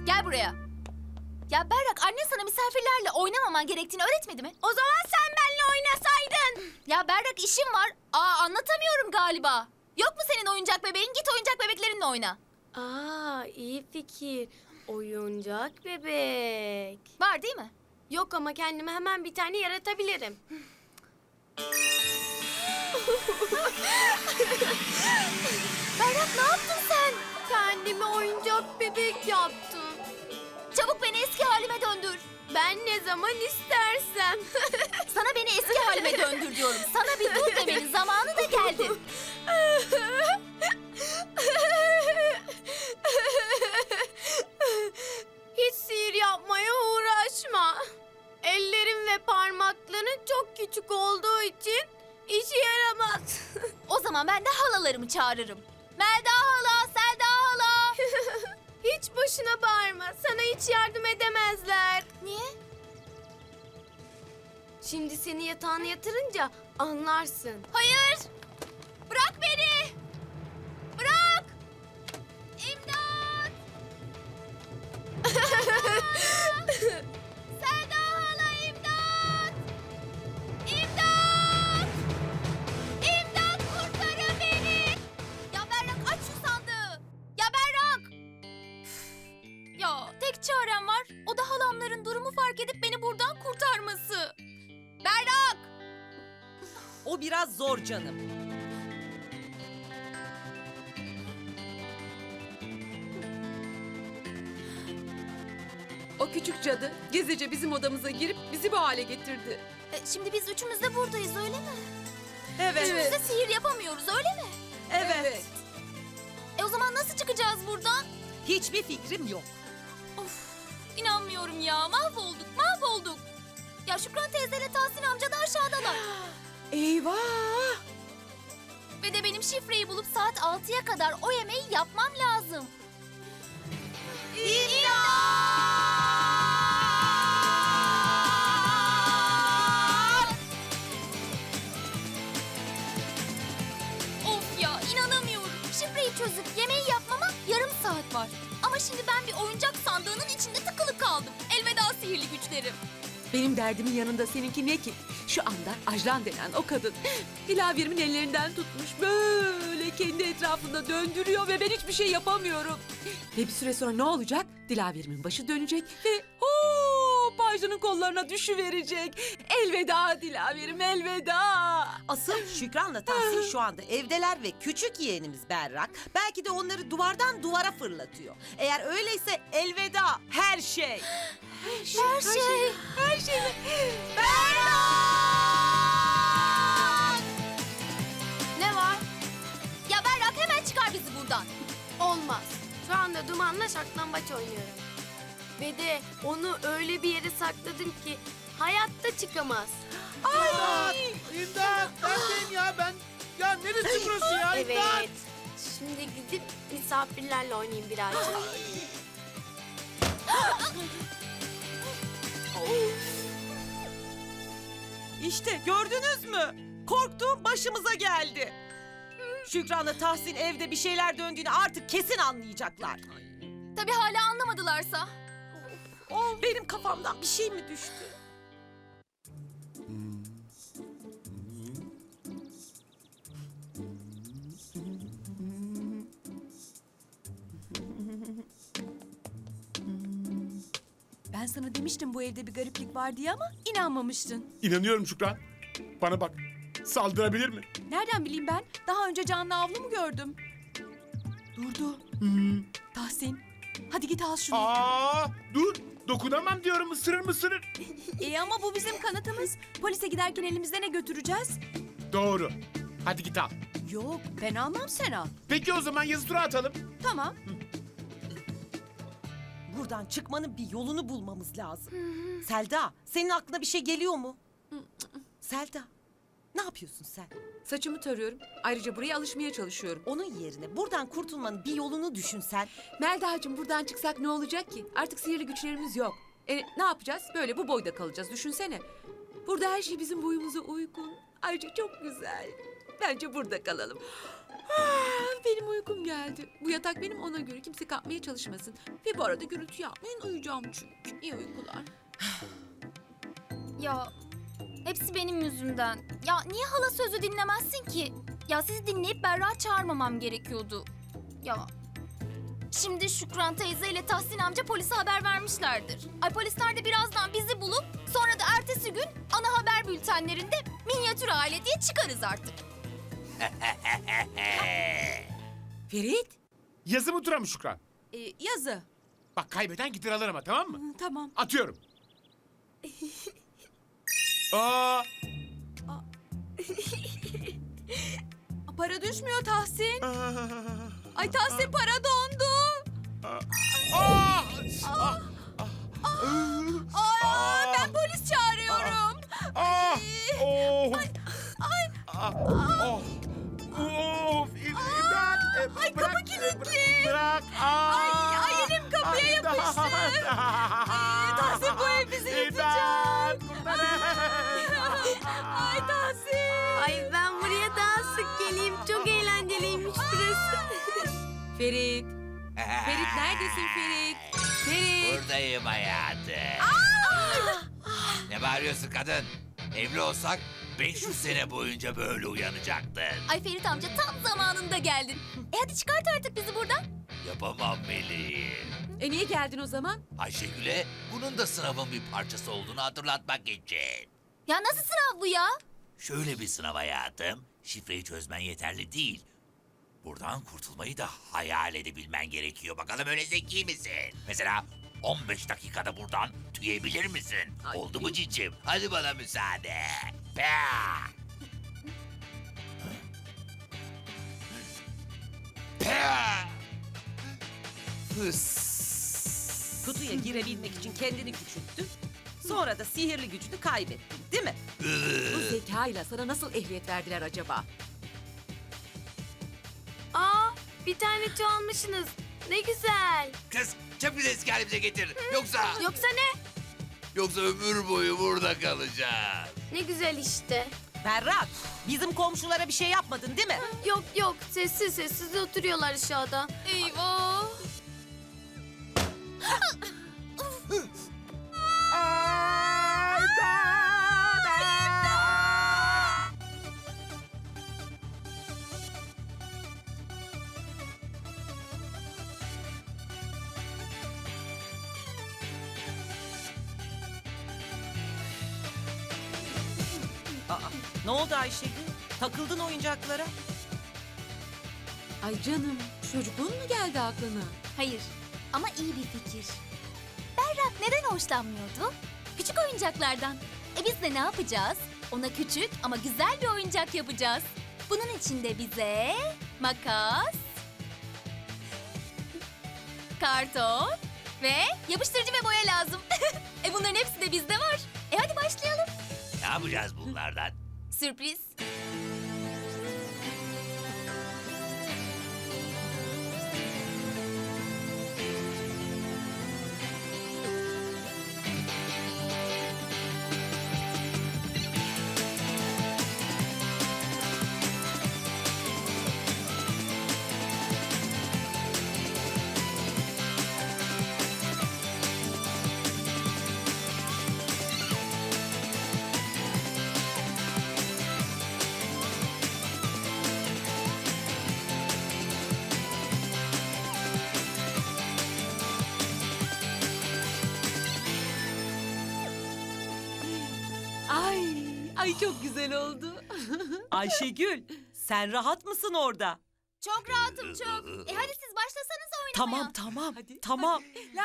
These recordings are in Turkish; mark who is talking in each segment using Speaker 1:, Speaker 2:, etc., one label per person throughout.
Speaker 1: Gel buraya. Ya Berrak, annen sana misafirlerle oynamaman gerektiğini öğretmedi mi? O zaman sen benimle oynasaydın. Ya Berrak, işim var. Anlatamıyorum galiba. Yok mu senin oyuncak bebeğin? Git oyuncak bebeklerinle oyna.
Speaker 2: İyi fikir. Oyuncak bebek.
Speaker 1: Var değil mi?
Speaker 2: Yok ama kendime hemen bir tane yaratabilirim.
Speaker 1: Berrak, ne yaptın sen?
Speaker 2: Kendime oyuncak bebek yaptım.
Speaker 1: Çabuk beni eski halime döndür.
Speaker 2: Ben ne zaman istersem.
Speaker 1: Sana beni eski halime döndür diyorum. Sana bir dur demenin zamanı da geldi.
Speaker 2: Hiç sihir yapmaya uğraşma. Ellerim ve parmakların çok küçük olduğu için işe yaramaz.
Speaker 1: O zaman ben de halalarımı çağırırım. Melda hala, Selda hala.
Speaker 2: Hiç boşuna bağırma. Sana hiç yardım edemezler.
Speaker 1: Niye?
Speaker 2: Şimdi seni yatağına yatırınca anlarsın.
Speaker 1: Hayır! Bırak beni! Bırak! İmdat! Selda hala, imdat! İmdat! İmdat, kurtarın beni! Ya Berrak, aç şu sandığı! Ya Berrak! Ya tek çarem var. O da halamların durumu fark edip beni buradan kurtarması. Berrak!
Speaker 3: O biraz zor canım.
Speaker 4: O küçük cadı gizlice bizim odamıza girip bizi bu hale getirdi.
Speaker 1: Şimdi biz üçümüz de buradayız, öyle mi?
Speaker 3: Evet.
Speaker 1: Üçümüz de sihir yapamıyoruz, öyle mi?
Speaker 3: Evet.
Speaker 1: O zaman nasıl çıkacağız buradan?
Speaker 3: Hiçbir fikrim yok.
Speaker 1: Of, inanmıyorum ya. Mahvolduk. Ya Şükran teyzeyle Tahsin amca da aşağıdalar.
Speaker 4: Eyvah!
Speaker 1: Ve de benim şifreyi bulup saat 6'ya kadar o yemeği yapmam lazım. Of ya, inanamıyorum. Şifreyi çözüp yemeği yapmama yarım saat var. Ama şimdi ben bir oyuncak sandığının içinde tıkılı kaldım. Elveda sihirli güçlerim.
Speaker 4: Benim derdimin yanında seninki ne ki? Şu anda Ajlan denen o kadın Dilaver'imin ellerinden tutmuş böyle kendi etrafında döndürüyor ve ben hiçbir şey yapamıyorum. Ve bir süre sonra ne olacak? Dilaver'imin başı dönecek ve hop Ajlan'ın kollarına düşüverecek. Elveda Dilaver'im, elveda.
Speaker 3: Asıl Şükran'la Tahsin şu anda evdeler ve küçük yeğenimiz Berrak belki de onları duvardan duvara fırlatıyor. Eğer öyleyse elveda her şey.
Speaker 1: Her şey.
Speaker 4: Her şey.
Speaker 1: Ne var? Ya Berrak, hemen çıkar bizi buradan.
Speaker 2: Olmaz. Şu anda Duman'la saklambaç oynuyorum. Ve de onu öyle bir yere sakladım ki hayatta çıkamaz.
Speaker 5: İmdat! Neredeyim ya ben? Ya neresi burası ya? İmdat!
Speaker 2: Evet. Şimdi gidip misafirlerle oynayayım birazcık.
Speaker 3: İşte gördünüz mü? Korktuğum başımıza geldi. Şükran'la Tahsin evde bir şeyler döndüğünü artık kesin anlayacaklar.
Speaker 1: Tabii hala anlamadılarsa.
Speaker 3: Benim kafamdan bir şey mi düştü?
Speaker 4: Ben sana demiştim bu evde bir gariplik var diye ama inanmamıştın.
Speaker 5: İnanıyorum Şükran. Bana bak. Saldırabilir mi?
Speaker 4: Nereden bileyim ben? Daha önce canlı avlu mu gördüm? Durdu. Tahsin, hadi git al şunu.
Speaker 5: Dur. Dokunamam diyorum. Isırır mı ısırır?
Speaker 4: Ama bu bizim kanıtımız. Polise giderken elimizde ne götüreceğiz?
Speaker 5: Doğru. Hadi git al.
Speaker 4: Yok, ben almam, sen al.
Speaker 5: Peki o zaman yazı tura atalım.
Speaker 4: Tamam.
Speaker 3: Buradan çıkmanın bir yolunu bulmamız lazım. Selda, senin aklına bir şey geliyor mu? Selda, ne yapıyorsun sen?
Speaker 4: Saçımı tarıyorum. Ayrıca buraya alışmaya çalışıyorum.
Speaker 3: Onun yerine buradan kurtulmanın bir yolunu düşünsen.
Speaker 4: Melda'cığım buradan çıksak ne olacak ki? Artık sihirli güçlerimiz yok. Ne yapacağız? Böyle bu boyda kalacağız. Düşünsene. Burada her şey bizim boyumuza uygun. Ayrıca çok güzel. Bence burada kalalım. Benim uykum geldi. Bu yatak benim, ona göre kimse kalkmaya çalışmasın. Ve bu arada gürültü yapmayın, uyuyacağım çünkü. İyi uykular.
Speaker 1: Ya hepsi benim yüzümden. Ya niye hala sözü dinlemezsin ki? Ya sizi dinleyip Berra çağırmamam gerekiyordu. Ya şimdi Şükran teyze ile Tahsin amca polise haber vermişlerdir. Ay polisler de birazdan bizi bulup sonra da ertesi gün ana haber bültenlerinde minyatür aile diye çıkarız artık.
Speaker 4: Ferit,
Speaker 5: Yazı mı tura mı Şükran?
Speaker 4: yazı.
Speaker 5: Bak kaybeden gider alır ama tamam mı?
Speaker 4: Tamam.
Speaker 5: Atıyorum. Aa,
Speaker 4: Para düşmüyor Tahsin. Ay Tahsin, para dondu. Ben polis çağırıyorum.
Speaker 5: Ay kapı kilitli. Bırak. Ay
Speaker 4: elim kapıya yapıştı. Tahsin, bu ev bizi yutacak. Ay Tahsin.
Speaker 2: Ay ben buraya daha sık geleyim. Çok eğlenceliymiş burası.
Speaker 4: Ferit. Ferit neredesin Ferit? Ferit.
Speaker 6: Buradayım hayatım. Ne bağırıyorsun kadın? Evli olsak 500 sene boyunca böyle uyanacaktın.
Speaker 1: Ay Ferit amca tam zamanında geldin. Hadi çıkart artık bizi buradan.
Speaker 6: Yapamam Melih.
Speaker 4: Niye geldin o zaman?
Speaker 6: Ayşegül'e bunun da sınavın bir parçası olduğunu hatırlatmak için.
Speaker 1: Ya nasıl sınav bu ya?
Speaker 6: Şöyle bir sınav hayatım. Şifreyi çözmen yeterli değil. Buradan kurtulmayı da hayal edebilmen gerekiyor. Bakalım öyle zeki misin? Mesela 15 dakikada buradan tüyebilir misin?
Speaker 4: Ay.
Speaker 6: Oldu mu cicim? Hadi bana müsaade. Pah! Pah! Hıs!
Speaker 3: Kutuya girebilmek için kendini küçülttün. Sonra da sihirli gücünü kaybettin, değil mi?
Speaker 4: Bu zekayla sana nasıl ehliyet verdiler acaba?
Speaker 2: Aa, bir tane çalmışsınız. Ne güzel.
Speaker 6: Kız çabuk eski halimize getir. Yoksa
Speaker 2: Yoksa ne?
Speaker 6: ömür boyu burada kalacağız.
Speaker 2: Ne güzel işte.
Speaker 3: Berrak, bizim komşulara bir şey yapmadın değil mi?
Speaker 2: Yok yok, sessiz sessiz oturuyorlar aşağıda.
Speaker 1: Eyvah.
Speaker 3: Aa, ne oldu Ayşegül? Takıldın oyuncaklara.
Speaker 4: Ay canım, çocukluğun mu geldi aklına?
Speaker 1: Hayır ama iyi bir fikir. Berrak neden hoşlanmıyordu? Küçük oyuncaklardan. Biz de ne yapacağız? Ona küçük ama güzel bir oyuncak yapacağız. Bunun için de bize makas, karton ve yapıştırıcı ve boya lazım. Bunların hepsi de bizde var. Hadi başlayalım.
Speaker 6: Ne yapacağız bunlardan?
Speaker 1: Sürpriz.
Speaker 4: Ay çok güzel oldu.
Speaker 3: Ayşegül, sen rahat mısın orada?
Speaker 1: Çok rahatım çok. Hadi siz başlasanız oynamaya.
Speaker 3: Tamam,
Speaker 4: Hadi.
Speaker 3: tamam.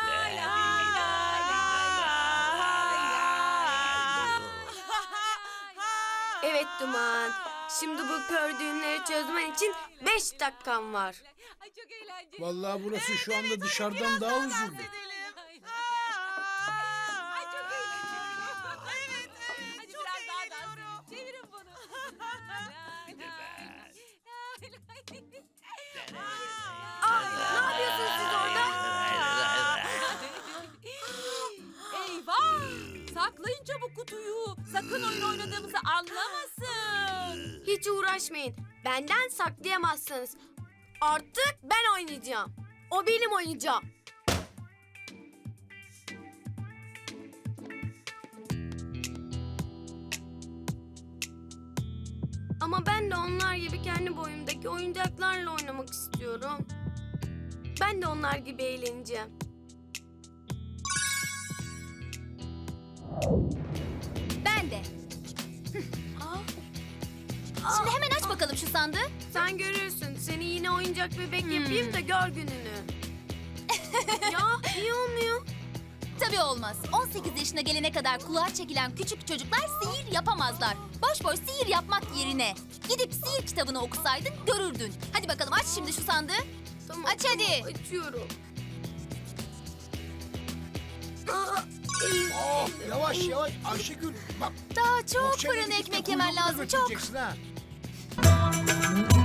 Speaker 2: Evet Duman. Şimdi bu kör düğümleri çözmen için 5 dakikam var.
Speaker 4: Ay çok eğlenceli.
Speaker 5: Vallahi burası şu anda dışarıdan daha huzurlu.
Speaker 4: Ay çok eğlenceli. Evet. Hadi biraz daha dans. Çevirin bunu.
Speaker 2: Ne yapıyorsunuz siz orada?
Speaker 4: Eyvah! Saklayın çabuk kutuyu. Sakın oyun oynadığımızı anlamasın.
Speaker 2: Hiç uğraşmayın. Benden saklayamazsınız. Artık ben oynayacağım. O benim oyuncağım. Ama ben de onlar gibi kendi boyumdaki oyuncaklarla oynamak istiyorum. Ben de onlar gibi eğleneceğim.
Speaker 1: Ben de. Şimdi hemen aç bakalım şu sandığı.
Speaker 2: Sen görürsün. Seni yine oyuncak bebek yapayım da gör gününü. Ya niye olmuyor?
Speaker 1: Tabii olmaz. 18 yaşına gelene kadar kulağa çekilen küçük çocuklar sihir yapamazlar. Boş boş sihir yapmak yerine gidip sihir kitabını okusaydın görürdün. Hadi bakalım aç şimdi şu sandığı.
Speaker 2: Tamam,
Speaker 1: Aç hadi.
Speaker 2: Açıyorum.
Speaker 7: Oh, yavaş yavaş Ayşegül. Bak
Speaker 1: Daha çok
Speaker 7: bohçayla
Speaker 1: fırın
Speaker 7: gidip de
Speaker 1: ekmek yemen
Speaker 7: kuyruğunu
Speaker 1: lazım çok.
Speaker 7: götüreceksin ha.